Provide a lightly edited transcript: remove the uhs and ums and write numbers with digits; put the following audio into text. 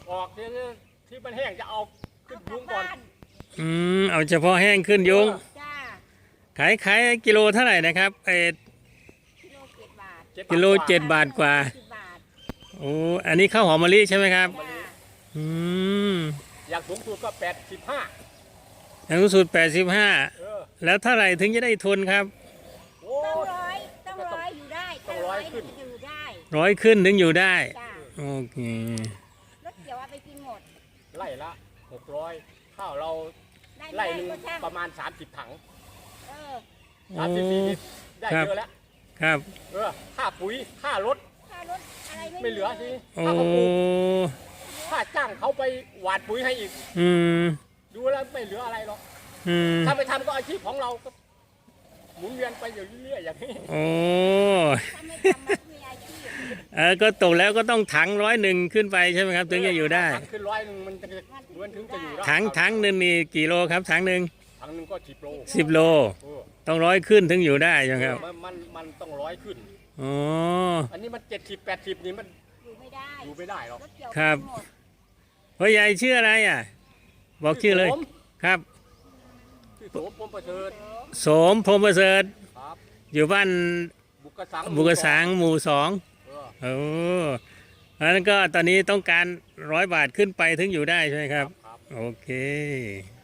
ออกที่มันแห้งจะเอาขึ้นยุงก่อนเอาเฉพาะแห้งขึ้นยุงจ้าขายกิโลเท่าไหร่นะครับกิโล 7 บาทกว่า 10 บาทโอ้อันนี้ข้าวหอมมะลิใช่ไหมครับจ้าอืมอยากสูงสุดก็85 อย่างสูงสุดเออ 85แล้วเท่าไหร่ถึงจะได้ทุนครับโอ้ต้องร้อยอยู่ได้ต้องร้อยขึ้นอยู่ได้ 100 ขึ้นถึงอยู่ได้จ้าโอเครถเกี่ยวเอาไปกินหมดไล่ละ600ข้าวเราได้ไล่ไม่หนึ่งได้ก็ช่างประมาณ30 ถังเออ 30 ลิตรได้เยอะแล้วครับค่าปุ๋ยค่ารถค่ารถอะไรไม่เหลือทีโอ้ค่าเขาปลูกค่าจ้างเขาไปหว่านปุ๋ยให้อีกอืมดูแล้วไม่เหลืออะไรหรอกอืมถ้าไปทำก็อาชีพของเราก็หมุนเวียนไปอยู่เรื่อยๆอย่างนี้โอ้ถ้าไม่ทำมันมีอาชีพก็ตกแล้วก็ต้องถัง101ขึ้นไปใช่ไหมครับ ถึงจะอยู่ได้ถังขึ้น100มันถึงจะอยู่ได้ถังหนึ่งนี่กี่โลครับถังหนึ่งถังหนึงก็10 โล 10 โลเออต้อง100ขึ้นถึงอยู่ได้ใช่ไหมครับมันต้อง100ขึ้นอ๋ออันนี้มัน70-80นี่มันอยู่ไม่ได้อยู่ไม่ได้หรอกรถเกี่ยวครับไปหมดพ่อใหญ่ชื่ออะไรอ่ะ บอกชื่อเลยโสมครับชื่อโสมพรหมประเสริฐโสมพรหมประเสริฐครับอยู่บ้านบุกกระสังบุกสางหมู่ 2 เออโอ้อันนั้นก็ตอนนี้ต้องการ100 บาทขึ้นไปถึงอยู่ได้ใช่ไหมครับครับโอเค